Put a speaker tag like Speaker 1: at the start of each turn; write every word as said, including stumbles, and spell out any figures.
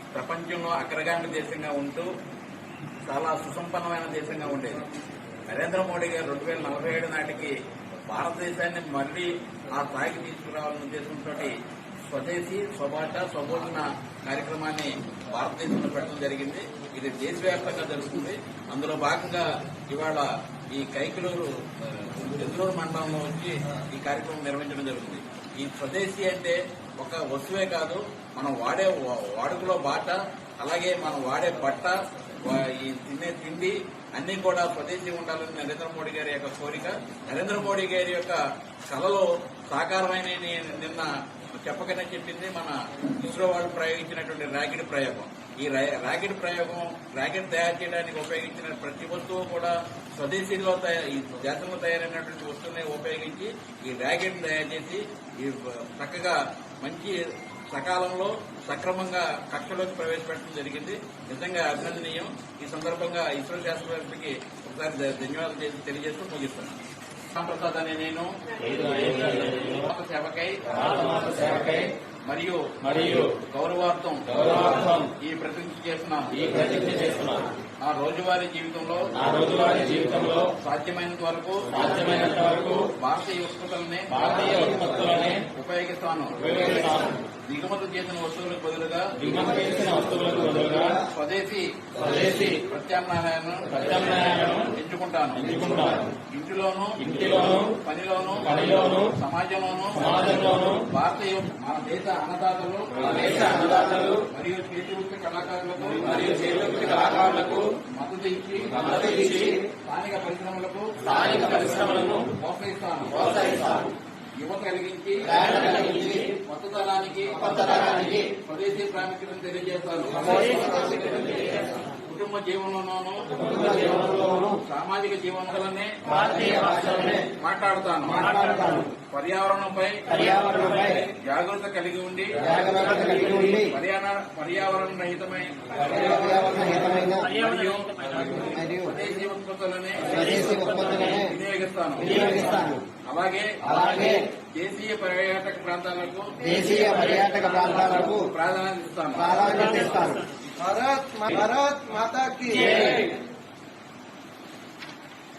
Speaker 1: ప్రపంచంలో అగ్రగామి దేశంగా ఉంటూ చాలా సుసంపన్నమైన దేశంగా ఉండేది. నరేంద్ర మోడీ గారు రెండు వేల నలభై ఏడు నాటికి భారతదేశాన్ని మళ్లీ ఆ స్థాయికి తీసుకురావాలనే ఉద్దేశంతో స్వదేశీ స్వభాష స్వబోధన కార్యక్రమాన్ని భారతదేశంలో పెట్టడం జరిగింది. ఇది దేశవ్యాప్తంగా జరుగుతుంది. అందులో భాగంగా ఇవాళ ఈ కైకలూరు ఎదురూరు మండలంలో వచ్చి ఈ కార్యక్రమం నిర్వహించడం జరుగుతుంది. ఈ స్వదేశీ అంటే ఒక వస్తువే కాదు, మనం వాడే వాడుకలో బాట, అలాగే మనం వాడే బట్ట, ఈ తినే తిండి అన్ని కూడా స్వదేశీ ఉండాలని నరేంద్ర మోడీ గారి యొక్క కోరిక. నరేంద్ర మోడీ గారి యొక్క కళలో సాకారమైన నిన్న చెప్పకనే చెప్పింది మన ఇస్రో వాళ్ళు ప్రయోగించినటువంటి ర్యాకెట్ ప్రయోగం. ఈ ర్యాకెట్ ప్రయోగం ర్యాకెట్ తయారు చేయడానికి ఉపయోగించిన ప్రతి వస్తువు కూడా స్వదేశీలో ఈ దేశంలో తయారైనటువంటి వస్తువుని ఉపయోగించి ఈ ర్యాకెట్ తయారు చేసి ఈ చక్కగా మంచి సకాలంలో సక్రమంగా కక్షలోకి ప్రవేశపెట్టడం జరిగింది. నిజంగా అభినందనీయం. ఈ సందర్భంగా ఇస్రో శాస్త్రవేత్తలకి ఒకసారి ధన్యవాదాలు చేసి తెలియజేస్తూ ముగిస్తున్నాను. ప్రసాద్ అనే నేను సేవకై సేవకై మరియు మరియు గౌరవార్థం గౌరవార్థం ఈ ప్రతిజ్ఞ చేస్తున్నాను ఈ ప్రతిజ్ఞ చేస్తున్నాను నా రోజువారీ జీవితంలో నా రోజువారీ జీవితంలో సాధ్యమైనంత వరకు సాధ్యమైనంత వరకు భారతీయ ఉత్పత్తులనే భారతీయ ఉత్పత్తులనే ఉపయోగిస్తాను ఉపయోగిస్తాను దిగుమతి చేసిన వస్తువులకు బదులుగా దిగుమతి చేసిన వస్తువులకు బదులుగా స్వదేశీ స్వదేశీ ప్రత్యామ్నాయాలను ప్రత్యామ్నాయాలను ఎంచుకుంటాను ఎంచుకుంటాను ఇంటిలోను ఇంటిలోను పనిలోను పనిలోను సమాజంలోను సమాజంలోను భారతీయ మన దేశ అన్నదాతలు మన దేశ అన్నదాతలు మరియు చేతి వృత్తి కళాకారులకు మరియు చేతి వృత్తి కళాకారులకు మద్దతు ఇచ్చి మద్దతు ఇచ్చి స్థానిక పరిశ్రమలకు స్థానిక పరిశ్రమలను ప్రోత్సహిస్తాను ప్రోత్సహిస్తాను యువత కలిగించి కొత్త తరానికి కొత్త తరానికి స్వదేశీ ప్రాముఖ్యతను తెలియజేస్తాను. కుటుంబ జీవనంలోనూ సామాజిక జీవనంలోనే మాట్లాడతాను మాట్లాడతాను పర్యావరణంపై పర్యావరణంపై జాగ్రత్త కలిగి ఉండి పర్యావరణ రహితమై స్వదేశీ ఉత్పత్తులనే వినియోగిస్తాను. అలాగే అలాగే దేశీయ పర్యాటక ప్రాంతాలకు దేశీయ పర్యాటక ప్రాంతాలకు ప్రాధాన్యత ఇస్తాను ప్రాధాన్యత ఇస్తాను. భారత్ భారత్ మాతా కీ